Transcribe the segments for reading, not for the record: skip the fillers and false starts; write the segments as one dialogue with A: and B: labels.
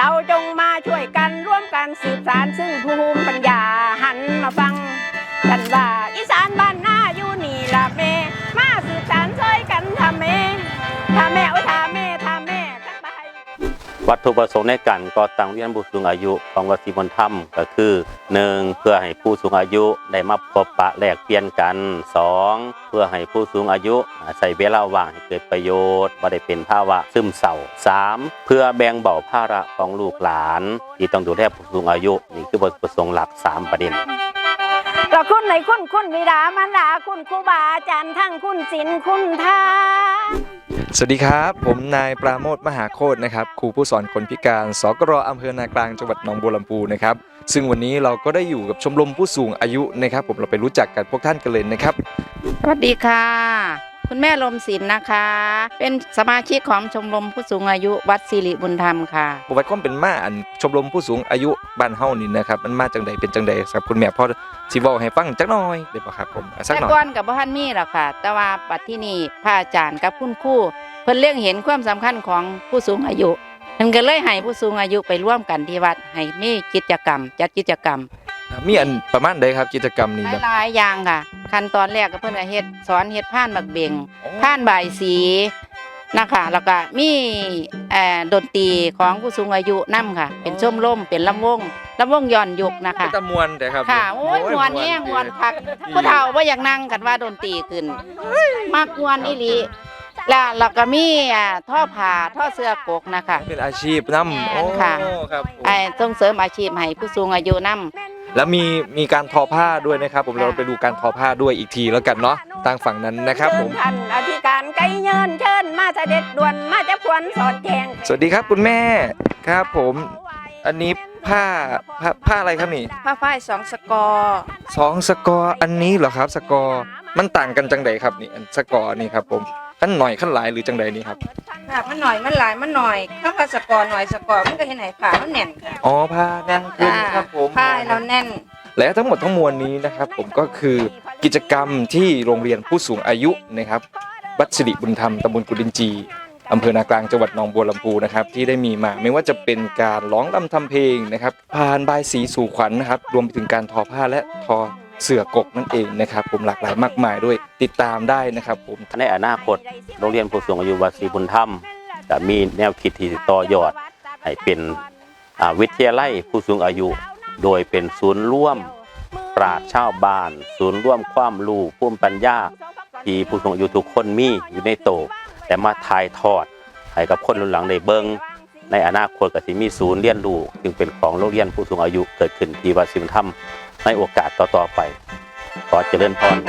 A: เราจงมาช่วยกันร่วมกันสืบสานซึ่งภูมิปัญญาหันมาฟังกันว่าอีสานบ้านหน้าอยู่นี่ละแม่มาสืบสานช่วยกันทำแม่โอ้ยทำแม่กันไป
B: วัตถุประสงค์ในการก่อตั้งโรงเรียนผู้สูงอายุของวัดศรีบุญธรรมก็คือ 1. เพื่อให้ผู้สูงอายุได้มาพบปะแลกเปลี่ยนกัน 2. เพื่อให้ผู้สูงอายุใช้เวลาว่างให้เกิดประโยชน์บ่ได้เป็นภาวะซึมเศร้า 3. เพื่อแบ่งเบาภาระของลูกหลานที่ต้องดูแลผู้สูงอายุนี่คือวัตถุประสงค์หลัก3ประเด็น
A: ก็คุณในคุณบิดามารดาคุณครูบาอาจารย์ทั้งคุณศีลคุณธรรม
C: สวัสดีครับผมนายปราโมทมหาโคตรนะครับครูผู้สอนคนพิการสกรอำเภอนากลางจังหวัดหนองบัวลำพูนะครับซึ่งวันนี้เราก็ได้อยู่กับชมรมผู้สูงอายุนะครับผมเราไปรู้จักกันพวกท่านกันเลยนะครับ
D: สวัสดีค่ะคุณแม่ลมศิลป์นะคะเป็นสมาชิกของชมรมผู้สูงอายุวัดสิริบุญธรรมค่ะ
C: ประวัติความเป็นมาอันชมรมผู้สูงอายุบ้านเฮานี่นะครับมันมาจังใดเป็นจังใดครับคุณแม่พอสิเว้าให้ฟังจักหน่อยได้บ่ครับผมสักหน่อย
D: แต่ก่อนกับบ่ทันมีหรอกค่ะแต่ว่าปัจจุบันนี้พระอาจารย์กับคุณครูเพิ่นเล็งเห็นความสำคัญของผู้สูงอายุเพิ่นก็เลยให้ผู้สูงอายุไปร่วมกันที่วัดให้มีกิจกรรมจัดกิจกรรม
C: มีอันประมาณใดครับกิจกรรมนี้
D: หลายอย่างค่ะขั้นตอนแรกก็เพิ่นก็เฮ็ดสอนเฮ็ดผ่านบักเบงผ่านบ่ายสีนะคะแล้วก็มีดนตรีของผู้สูงอายุนำค่ะเป็นชมรมเป็นลำวงย้อนยุคนะคะ
C: ตะมวนแต่ครับ
D: ค่ะโอ้ยมวนแห้งมวนคักผู้เฒ่าบ่อยากนั่งกันว่าดนตรีขึ้นมักมวนอีหลีแล้วเราก็มีท่อผ้าท่อเสื้อกกนะคะ
C: เป็นอาชีพนำโอ้
D: ค่ะ
C: ครับ
D: ส่งเสริมอาชีพให้ผู้สูงอายุนำ
C: แล้วมีการทอผ้าด้วยนะครับผมเราไปดูการทอผ้าด้วยอีกทีแล้วกันเนาะทางฝั่งนั้นนะครับผม
A: ท่านอธิการไก่เยินเชิญมาเสด็จด่วนมาจะควรสอดแจง
C: สวัสดีครับคุณแม่ครับผมอันนี้ผ้าอะไรครับนี่
D: ผ้าฝ้าย2สกอร์
C: 2สกอร์อันนี้เหรอครับสกอร์มันต่างกันจังใดครับนี่อันสกอร์นี่ครับผมขั้นหน่อยขั้นหลายหรือจังใดนี่ครับ
D: ค่ะมันหน่อยมันหลายมันหน่อยถ้าผ้าสกอร์หน่อยสกอร์มันก็เห็นไหนผ้ามันแน่นค่ะ
C: อ๋อผ้าแน่นขึ้นครับผม
D: ผ้าเราแน่น
C: และทั้งหมดทั้งมวลนี้นะครับผมก็คือกิจกรรมที่โรงเรียนผู้สูงอายุนะครับวัดสิริบุญธรรมตำบลกุดินจีอำเภอนากลางจังหวัดหนองบัวลำพูนะครับที่ได้มีมาไม่ว่าจะเป็นการร้องรำทำเพลงนะครับผ่านบายสีสู่ขวัญนะครับรวมไปถึงการทอผ้าและทอเสื่อกกนั่นเองนะครับผมหลากหลายมากมายด้วยติดตามได้นะครับผม
B: ในอนาคตโรงเรียนผู้สูงอายุวัดศรีบุญธรรมจะมีแนวคิดที่ต่อยอดให้เป็นวิทยาลัยผู้สูงอายุโดยเป็นศูนย์ร่วมปราชญ์ชาวบ้านศูนย์ร่วมความรู้ภูมิปัญญาที่ผู้สูงอายุทุกคนมีอยู่ในโตแต่มาถ่ายทอดให้กับคนรุ่นหลังได้เบิ่งในอนาคตก็สิมีศูนย์เรียนรู้จึงเป็นของโรงเรียนผู้สูงอายุเกิดขึ้นที่วัดศรีบุญธรรมในโอกาสต่อๆไปขอเจริญพร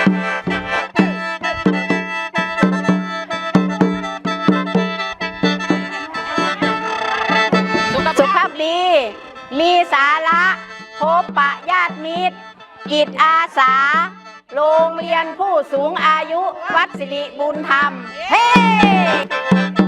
A: สุขภาพดีมีสาระพบปะญาติมิตรจิตอาสาโรงเรียนผู้สูงอายุวัดสิริบุญธรรมเฮ้